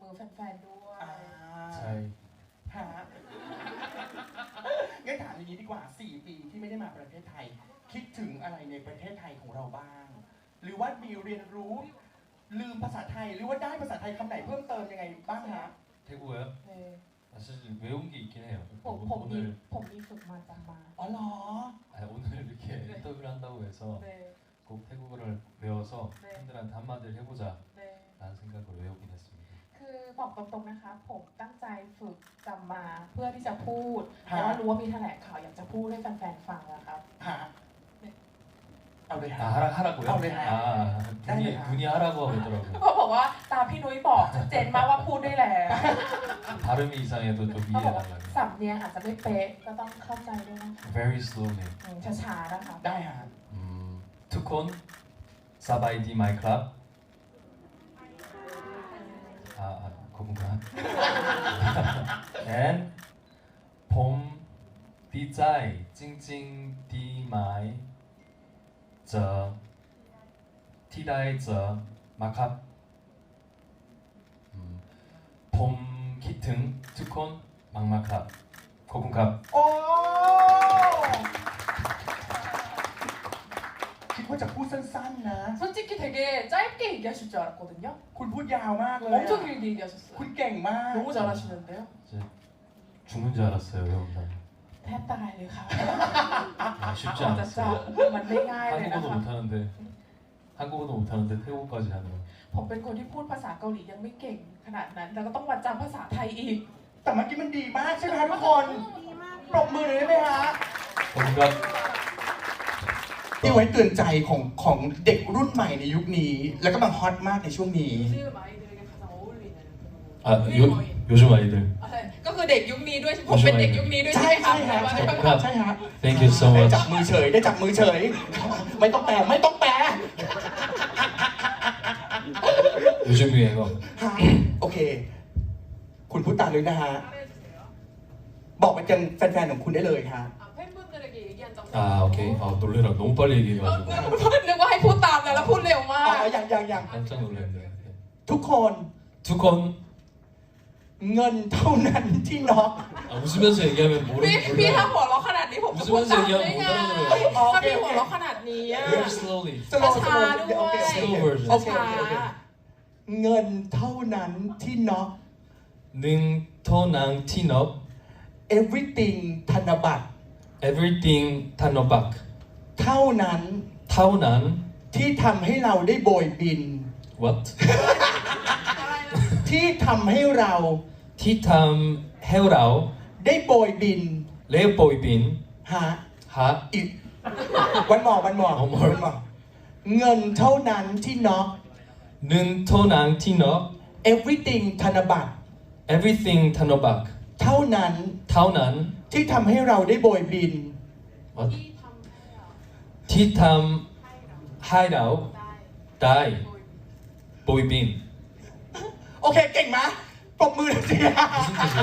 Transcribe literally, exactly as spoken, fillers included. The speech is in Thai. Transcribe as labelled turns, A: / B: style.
A: อแฟนๆด้วย
B: อ่า
C: ใช่
B: ฮะงั้นถามอย่างนี้ดีกว่าสี่ปีที่ไม่ได้มาประเทศไทย คิดถึงอะไรในประเทศไทยของเราบ้าง หรือว่ามีเรียนรู้ลืมภาษาไทยหรือว่าได้ภาษาไทยคำไหนเพิ่มเติมยังไงบ้างฮะ
C: 태국어요?
A: เออ
C: 아, 사실 외운 게 있긴 해요.
A: ผมผมมี
C: 오늘
A: ผมมีฝึกมาจำมา
B: อ๋อเหรอ
C: 아, 오늘 이렇게 인터뷰를 한다고 해서
A: เน
C: 꼭 태국어를 외워서
A: 네.
C: 팬들한테 한마디를 해보자
A: เน
C: 라는 생각으로 외우긴 했습니다.
A: คือบอกตรงๆนะคะ ผมตั้งใจฝึกจำมาเพื่อที่จะพูด
B: ฮะ
A: แต่ว่ารู้ว่ามีแถลงข่าวอยากจะพูดให้แฟนๆฟังนะครับ
B: ฮะเอาเลยฮะ
C: 아 하라, 하라고요?
B: 아, 네.
C: 아 눈이,
B: 네.
C: 눈이 하라고 하더라고요.
A: เขาบอกว่าตามพี่นุ้ยบอกชัดเจนมากว่าพูดได้แล้ว
C: 발음이 이상해도 좀
A: เขาบอกว่า
C: 이해해달라고.
A: สำเนียงอาจจะไม่เป๊ะก็ต้องเข้าใจด้วยนะคะ
C: Very slowly.
A: อืมช้าๆนะคะ
B: ได้ฮะ
C: 음, 투콘 사바이디 마이 클럽. 아, 아 그건가? And 봄 디자이 찡찡 디마이 저 티다이 저 마캅. 음, 봄 기튼 투콘 막마캅 고군캅.
B: โอ้คิดว่าจะพูดสั้นๆนะ
A: 솔직히 되게 짧게 얘기하실 줄 알았거든요.
B: คุณพูดยาวมากเลย
A: 엄청
B: อะ
A: 길게 얘기하셨어요.
B: คุณเก่งมาก
A: 너무 잘하시는데요.
C: 이제 죽는 줄 알았어요 외운다니.
A: แทบตายเลยค่ะ
C: 아, 쉽지
A: จะจ
C: 않았어요.
A: ำมันไม่ง่ายเลยนะ
C: 한국어도
A: คะ
C: 못하는데 한국어도 못하는데 태국어까지 하네요.
A: ผมเป็นคนที่พูดภาษาเกาหลียังไม่เก่งขนาดนั้น แล้วก็ต้องมาจำภาษาไทยอีก
B: แต่เมื่อกี้มันดีมากใช่ไหมคะทุกคนปรบมือหน่อยได้ไหมฮะ
C: 고군캅.
B: ที่ไว้เตือนใจของของเด็กรุ่นใหม่ในยุคนี้ แล้วก็กำลังฮอตมากในช่วงนี้
A: 요즘 아이들에게 가장 어울리는
C: 아 요, 요즘 아이들.
A: ก็คือเด็กยุคนี้ด้วยผมเป็นเด็กยุคนี้ด้วย
B: ใช่
A: ใช่ไหมคะ
B: ใช่ฮะใช่ฮะใช่ฮะ
C: Thank you so
B: ได้
C: much.
B: จับมือเฉยได้จับมือเฉย ไม่ต้องแปลไม่ต้องแปล
C: 요즘 유행어.
B: ฮะโอเค คุณพูดตามเลยนะฮะ บอกไปยังแฟนๆของคุณได้เลยฮะ
A: 팬분들에게 얘기한 적
C: 아 오케이. 아 놀래라 너무 빨리 얘기해가지고
A: นึกว่าให้พูดตามแล้วแล้วพูดเร็วมา
B: อ๋อก อย่างอย่างอย่าง
C: 깜짝 놀랐네.
B: ทุกคน
C: 투콘.
B: เงินเท่านั้นที่น็อก
C: 아, 웃으면서 얘기하면 모르
A: พี่พี่
C: 몰라요.
A: ถ้าหัวเราะขนาดนี้ผมจะพูดตามได้ไง
B: อ๋อโอ
A: ถ้า
B: เค
A: พี่
B: โอ
A: หัว
B: เค
A: เราะขนาดนี้อะ
C: Very slowly.
B: สโลว์ส
A: ช้า
B: โล
A: ๆ
B: ว์
A: ด้วย
B: โอเคโอเค
C: Slow version.
B: โอเคโอเคโอเค เงินเท่านั้นที่น็อก
C: 능토낭 티너.
B: everything ธนบัตร
C: Everything 타노박.
B: เท่านั้น
C: 타오난.
B: ที่ทำให้เราได้โบยบิน
C: What?
B: ที่ทำให้เรา
C: 티탐 헤우라오.
B: ได้โบยบิน
C: 레오보이빈.
B: ฮะ
C: 하.
B: อีกวันหมอวันหมอ
C: วันหมอ
B: วันหมอเงินเท่านั้นที่น็อก
C: 능토낭 티너.
B: everything ธนบัตร
C: Everything 타노박.
B: เท่านั้น
C: 타오난.
B: ที่ทำให้เราได้โบยบิน
C: What? 티탐 하이라오. 다이. 보이빈.
B: โอเคเก่งไหมปรบมือหน่อยสิ
C: 무슨 뜻이야?